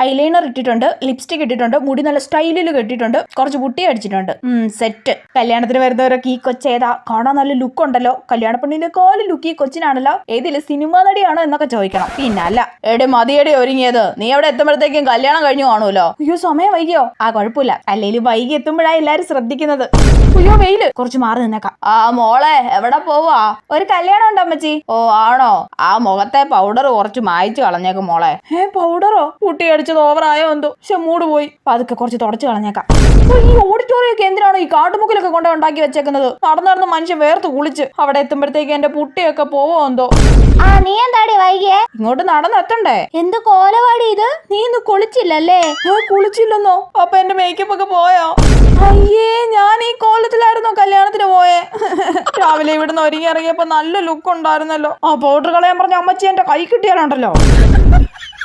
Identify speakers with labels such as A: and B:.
A: Eyeliner ഇട്ടിട്ടുണ്ട്, lipstick ഇട്ടിട്ടുണ്ട്, മുടി നല്ല സ്റ്റൈലിൽ കെട്ടിയിട്ടുണ്ട്, കുറച്ച് പുട്ടി അടിച്ചിട്ടുണ്ട്. സെറ്റ്. കല്യാണത്തിന് വരുന്നവരൊക്കെ ഈ കൊച്ചേതാ, കാണാൻ നല്ല ലുക്ക് ഉണ്ടല്ലോ, കല്യാണ പെണ്ണിനെക്കാളും ലുക്ക് ഈ കൊച്ചിനാണല്ലോ, ഏതില് സിനിമ നടിയാണോ എന്നൊക്കെ ചോദിക്കണം. പിന്നല്ല, എടെ മതിയടി ഒരുങ്ങിയത്, നീ അവിടെ എത്തുമ്പോഴത്തേക്കും കല്യാണം കഴിഞ്ഞു കാണുമല്ലോ. അയ്യോ സമയം വൈകിയോ? കുഴപ്പമില്ല, അല്ലേലും വൈകി എത്തുമ്പോഴാണ് എല്ലാരും ശ്രദ്ധിക്കുന്നത്. അയ്യോ വെയില്, കുറച്ച് മാറി നിന്നേക്കാം. മോളെ എവിടെ പോവാ? ഒരു കല്യാണം ഉണ്ടോ അമ്മച്ചി? ഓ ആണോ? ആ മുഖത്തെ പൗഡർ കുറച്ച് മായ്ച്ചു കളഞ്ഞേക്കും മോളെ. പൗഡറോ? കുട്ടി അടിച്ചത് ഓവറായോ എന്തോ, പക്ഷെ മൂട് പോയി. അതൊക്കെ കുറച്ച് തുടച്ചു കളഞ്ഞേക്കാം. ഈ ഓഡിറ്റോറിയൊക്കെ എന്തിനാണോ ഈ കാട്ടുമുക്കിലൊക്കെ കൊണ്ട് ഉണ്ടാക്കി വെച്ചേക്കുന്നത്? നടന്നു മനുഷ്യൻ വേർത്ത് കുളിച്ച് അവിടെ എത്തുമ്പോഴത്തേക്ക് എന്റെ പുട്ടിയൊക്കെ പോവോ എന്തോ.
B: നീ എന്താടി വൈകിയേ?
A: ഇങ്ങോട്ട് നടന്നെത്തണ്ടേ?
B: എന്ത് കോലവാടി ഇത്?
A: നീ ഇന്ന് കുളിച്ചില്ലല്ലേ? കുളിച്ചില്ലെന്നോ? അപ്പൊ എന്റെ മേക്കപ്പ് ഒക്കെ പോയോ? അയ്യേ, ഞാൻ ഈ കോലത്തിലായിരുന്നോ കല്യാണത്തിന് പോയേ? രാവിലെ ഇവിടുന്ന് ഒരുങ്ങി ഇറങ്ങിയപ്പോ നല്ല ലുക്ക് ഉണ്ടായിരുന്നല്ലോ. ആ പൗഡർ കളയാൻ പറഞ്ഞ അമ്മച്ചി എന്റെ കൈ കിട്ടിയാലുണ്ടല്ലോ.